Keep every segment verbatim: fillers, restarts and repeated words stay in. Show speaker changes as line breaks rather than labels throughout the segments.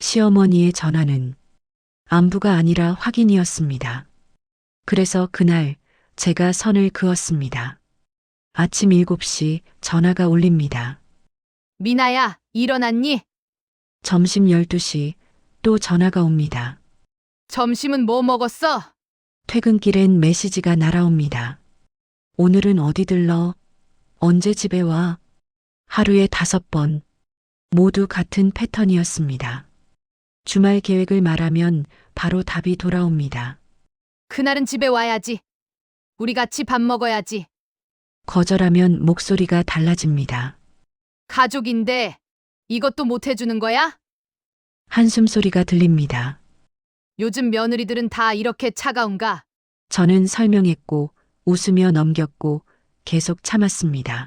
시어머니의 전화는 안부가 아니라 확인이었습니다. 그래서 그날 제가 선을 그었습니다. 아침 일곱 시 전화가 울립니다.
미나야, 일어났니?
점심 열두 시 또 전화가 옵니다.
점심은 뭐 먹었어?
퇴근길엔 메시지가 날아옵니다. 오늘은 어디 들러? 언제 집에 와? 하루에 다섯 번. 모두 같은 패턴이었습니다. 주말 계획을 말하면 바로 답이 돌아옵니다.
그날은 집에 와야지. 우리 같이 밥 먹어야지.
거절하면 목소리가 달라집니다.
가족인데 이것도 못 해주는 거야?
한숨 소리가 들립니다.
요즘 며느리들은 다 이렇게 차가운가?
저는 설명했고 웃으며 넘겼고 계속 참았습니다.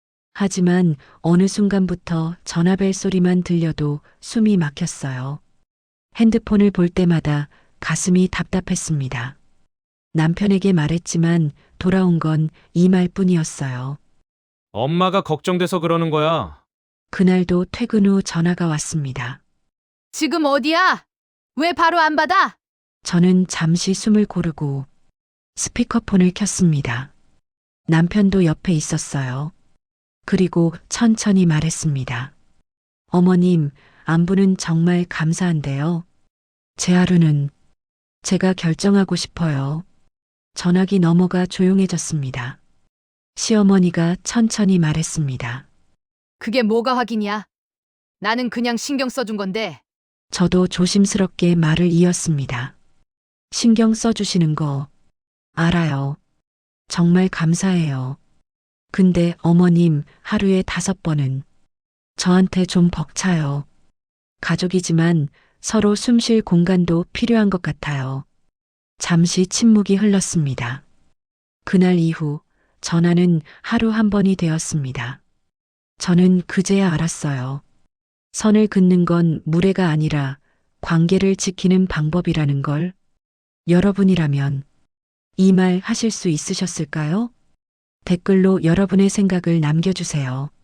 하지만 어느 순간부터 전화벨 소리만 들려도 숨이 막혔어요. 핸드폰을 볼 때마다 가슴이 답답했습니다. 남편에게 말했지만 돌아온 건 이 말뿐이었어요.
엄마가 걱정돼서 그러는 거야.
그날도 퇴근 후 전화가 왔습니다.
지금 어디야? 왜 바로 안 받아?
저는 잠시 숨을 고르고 스피커폰을 켰습니다. 남편도 옆에 있었어요. 그리고 천천히 말했습니다. 어머님, 안부는 정말 감사한데요. 제 하루는 제가 결정하고 싶어요. 전화기 넘어가 조용해졌습니다. 시어머니가 천천히 말했습니다.
그게 뭐가 확인이야? 나는 그냥 신경 써준 건데.
저도 조심스럽게 말을 이었습니다. 신경 써주시는 거 알아요. 정말 감사해요. 근데 어머님 하루에 다섯 번은 저한테 좀 벅차요. 가족이지만 서로 숨 쉴 공간도 필요한 것 같아요. 잠시 침묵이 흘렀습니다. 그날 이후 전화는 하루 한 번이 되었습니다. 저는 그제야 알았어요. 선을 긋는 건 무례가 아니라 관계를 지키는 방법이라는 걸. 여러분이라면 이 말 하실 수 있으셨을까요? 댓글로 여러분의 생각을 남겨주세요.